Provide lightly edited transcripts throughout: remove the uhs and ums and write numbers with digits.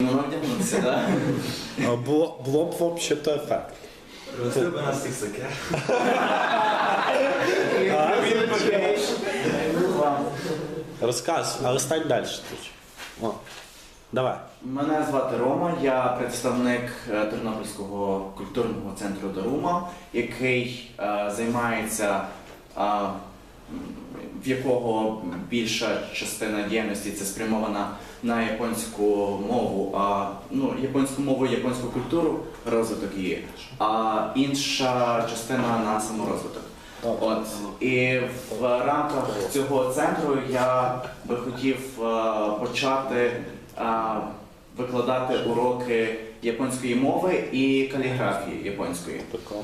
змогла вдягнутися, так? Було б взагалі-то ефект. Привезли б нас всіх саке. Розказуй, але стань далі. О, давай. Мене звати Рома, я представник Тернопільського культурного центру Дарума, який займається, в якого більша частина діяльності це спрямована на японську мову, японську мову і японську культуру, розвиток її, а інша частина на саморозвиток. От. І в рамках цього центру я би хотів почати викладати уроки японської мови і каліграфії японської.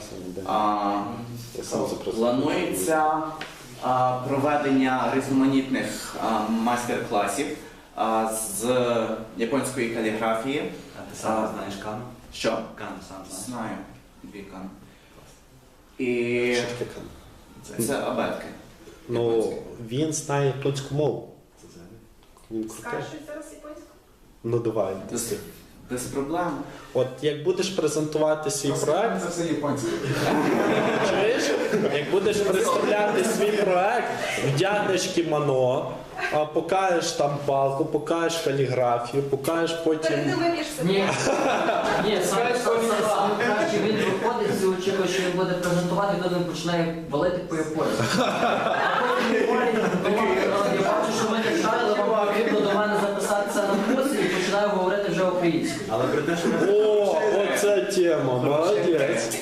Планується проведення різноманітних майстер-класів з японської каліграфії. А ти сам знаєш кан? Що? Кан сам знаєш? Знаю. Дві кан. І це абетки. Ну, він знає японську мову. Він крутий. Скажеш зараз японську? Ну давай. Без проблем. От як будеш презентувати свій проект, Це все японське. чуєш? Як будеш представляти свій проект, вдягнеш кімоно, покажеш там палку, покажеш каліграфію, покажеш потім. Ти виб'єш собі. Ні, саме краще він виходить, всі очікують, що він буде презентувати, і тоді він починає валити по японськи. Я бачу, що ми не шарили, вам потрібно до мене записатися на курс і починаю говорити вже українською. Але при те, що ми... О, оця тема, молодець.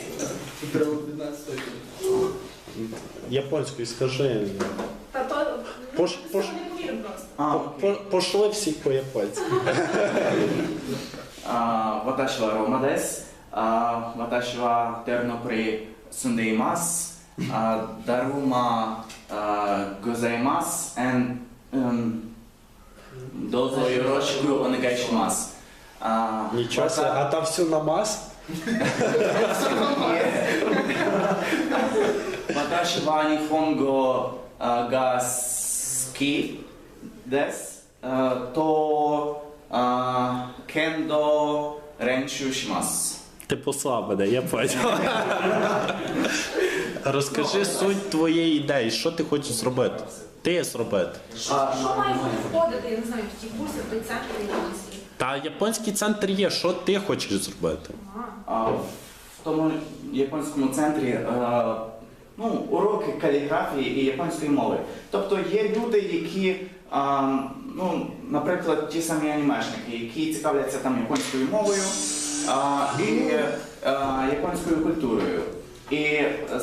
Японською скажи. Та то Пош- не пош- повірю просто. Пошли всі по японськи. 私はローマです。私はテルノプリ住んでいます。ダルマございます。どうぞよろしくお願いします。 Нічого себе, а там все на мас? 私は日本語が好きです。剣道練習します。 Ти послав мене, я поняв. Розкажи суть твоєї ідеї, що ти хочеш зробити? Ти зробити. Що має входити, я не знаю, в ті курси, в той центр японський? Та японський центр є, що ти хочеш зробити? В тому японському центрі уроки каліграфії і японської мови. Тобто є люди, які, наприклад, ті самі анімешники, які цікавляться там японською мовою і японською культурою. І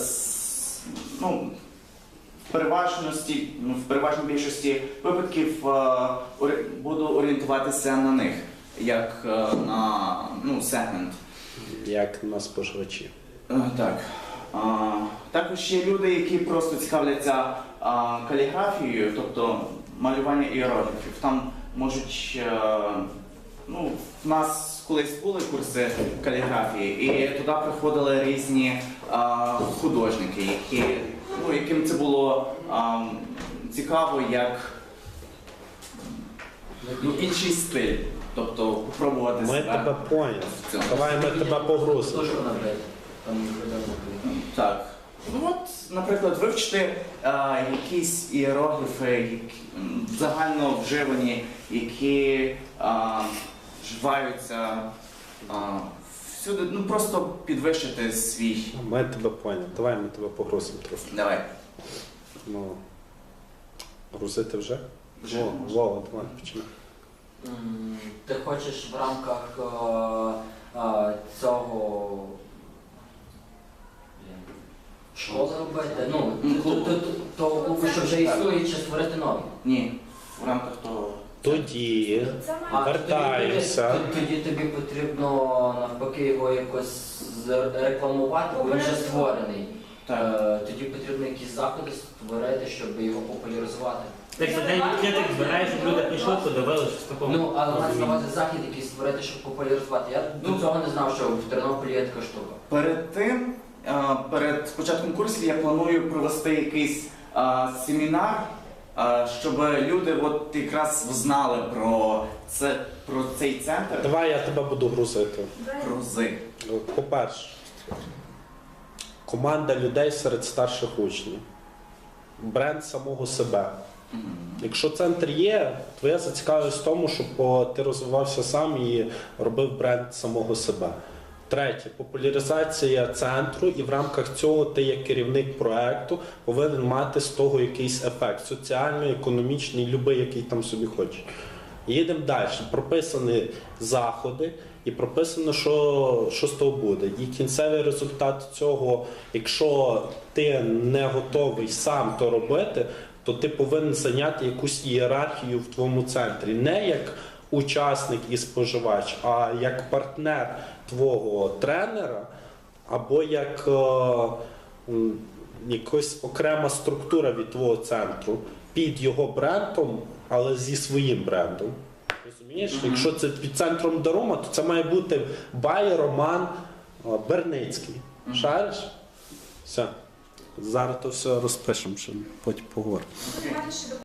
в переважній більшості випадків буду орієнтуватися на них, як на сегмент. Як на споживачі. Так. Також є люди, які просто цікавляться каліграфією, тобто малювання іерогліфів. Там можуть, в нас колись були курси каліграфії, і туди приходили різні художники, яким це було цікаво, як інший стиль. Тобто попробувати Ми себе. тебе поняли. в цьому. Давай ми тебе погрузимо. Дуже вона, блядь, там не Так. Наприклад, вивчити якісь іерогліфи, які загально вживані, які вживаються всюди, просто підвищити свій. Ми тебе поняли. Давай ми тебе погрузимо трохи. Давай. Грузити вже? Вже. Вова, давай починай. Ти хочеш в рамках цього школи робити? Того клубу, що вже існує, чи створити новий? Ні, в рамках того. Тоді Це має вертаємося. Тоді тобі потрібно навпаки його якось рекламувати, бо він вже створений. Так. Тоді потрібно якісь заходи створити, щоб його популяризувати. Так за день відкритих збираєш, щоб люди прийшли, подивилися, що з такого. Але мається на увазі захід якийсь створити, щоб популяризувати. Я до цього не знав, що в Тернополі є така штука. Перед тим, перед початком курсів я планую провести якийсь семінар, щоб люди якраз знали про цей центр. Давай я тебе буду грузити. Грузи. По-перше, команда людей серед старших учнів. Бренд самого себе. Якщо центр є, твоя зацікавленість в тому, щоб ти розвивався сам і робив бренд самого себе. Третє, популяризація центру, і в рамках цього ти, як керівник проекту, повинен мати з того якийсь ефект соціальний, економічний, любий, який там собі хочеш. Їдемо далі. Прописані заходи і прописано, що з того буде. І кінцевий результат цього, якщо ти не готовий сам то робити, то ти повинен зайняти якусь ієрархію в твоєму центрі. Не як учасник і споживач, а як партнер твого тренера, або як якась окрема структура від твого центру під його брендом, але зі своїм брендом. Розумієш? Якщо це під центром Дарума, то це має бути Бай, Роман, Берницький. Шариш? Все. Зараз то все розпишемо, щоб потім поговоримо. Давайте ще